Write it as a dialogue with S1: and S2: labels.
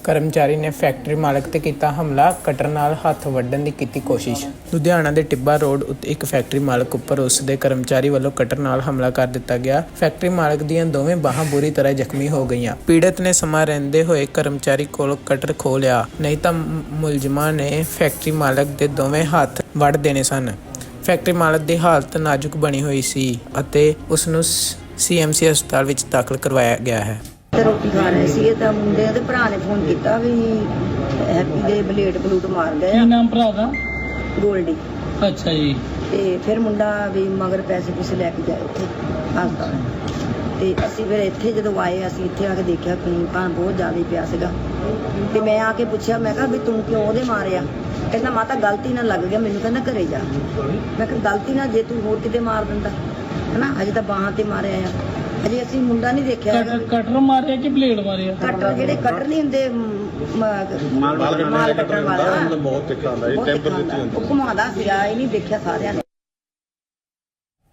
S1: ਕਰਮਚਾਰੀ ਨੇ ਫੈਕਟਰੀ ਮਾਲਕ ਤੇ ਕੀਤਾ ਹਮਲਾ, ਕਟਰ ਨਾਲ ਹੱਥ ਵੱਢਣ ਦੀ ਕੀਤੀ ਕੋਸ਼ਿਸ਼। ਲੁਧਿਆਣਾ ਦੇ ਟਿੱਬਾ ਰੋਡ ਉੱਤੇ ਇੱਕ ਫੈਕਟਰੀ ਮਾਲਕ ਉੱਪਰ ਉਸ ਦੇ ਕਰਮਚਾਰੀ ਵੱਲੋਂ ਕਟਰ ਨਾਲ ਹਮਲਾ ਕਰ ਦਿੱਤਾ ਗਿਆ। ਫੈਕਟਰੀ ਮਾਲਕ ਦੀਆਂ ਦੋਵੇਂ ਬਾਹਾਂ ਬੁਰੀ ਤਰ੍ਹਾਂ ਜ਼ਖਮੀ ਹੋ ਗਈਆਂ। ਪੀੜਤ ਨੇ ਸਮਾਂ ਰਹਿੰਦੇ ਹੋਏ ਕਰਮਚਾਰੀ ਕੋਲੋਂ ਕਟਰ ਖੋਹ ਲਿਆ, ਨਹੀਂ ਤਾਂ ਮੁਲਜ਼ਮਾਂ ਨੇ ਫੈਕਟਰੀ ਮਾਲਕ ਦੇ ਦੋਵੇਂ ਹੱਥ ਵੱਢ ਦੇਣੇ ਸਨ। ਫੈਕਟਰੀ ਮਾਲਕ ਦੀ ਹਾਲਤ ਨਾਜ਼ੁਕ ਬਣੀ ਹੋਈ ਸੀ ਅਤੇ ਉਸ ਨੂੰ CMC ਹਸਪਤਾਲ ਵਿੱਚ ਦਾਖਲ ਕਰਵਾਇਆ ਗਿਆ ਹੈ।
S2: ਰੋਟੀ ਖਾ ਰਹੇ ਸੀ ਤਾਂ ਮੁੰਡੇ ਦੇ ਭਰਾ ਨੇ ਫੋਨ ਕੀਤਾ ਵੀ ਹੈਪੀ ਦੇ ਬਲੇਡ ਮਾਰ ਗਏ।
S3: ਕੀ ਨਾਮ ਭਰਾ ਦਾ?
S2: ਗੋਲਡੀ।
S3: ਅੱਛਾ ਜੀ।
S2: ਤੇ ਫਿਰ ਮੁੰਡਾ ਵੀ ਮਗਰ ਪੈਸੇ ਲੈ ਕੇ ਗਿਆ ਉੱਥੇ ਹਸਪਤਾਲ। ਤੇ ਅਸੀਂ ਫਿਰ ਇੱਥੇ ਜਦੋਂ ਆਏ, ਅਸੀਂ ਇੱਥੇ ਆ ਕੇ ਦੇਖਿਆ ਖੂਨ ਭਾਂ ਬਹੁਤ ਜ਼ਿਆਦਾ ਪਿਆ ਸੀਗਾ। ਤੇ ਮੈਂ ਆ ਕੇ ਪੁੱਛਿਆ, ਮੈਂ ਕਿਹਾ ਵੀ ਤੂੰ ਕਿਉਂ ਉਹਦੇ ਮਾਰਿਆ? ਕਹਿੰਦਾ ਮਾਤਾ ਗਲਤੀ ਨਾਲ ਲੱਗ ਗਿਆ ਮੈਨੂੰ, ਕਹਿੰਦਾ ਘਰੇ ਜਾ। ਮੈਂ ਕਿਹਾ ਗਲਤੀ ਨਾਲ ਜੇ ਤੂੰ ਹੋਰ ਕਿਤੇ ਮਾਰ ਦਿੰਦਾ ਹਨਾ, ਅਜੇ ਤਾਂ ਬਾਹਾਂ ਤੇ ਮਾਰਿਆ ਆ, ਅਜੇ ਅਸੀਂ ਮੁੰਡਾ ਨਹੀਂ ਦੇਖਿਆ।
S3: ਕਟਰ ਮਾਰਿਆ ਕਿ ਬਲੇਡ ਮਾਰਿਆ?
S2: ਕਟਰ ਜਿਹੜੇ ਕਟਰ ਨਹੀਂ ਹੁੰਦੇ ਮਾਲ ਕਟਰ ਵਾਲਾ ਬਹੁਤ ਤਿੱਖਾ ਹੁੰਦਾ, ਉਹ ਘੁਮਾਉਂਦਾ ਸੀਗਾ, ਇਹ ਨਹੀਂ ਦੇਖਿਆ ਸਾਰਿਆਂ ਨੇ।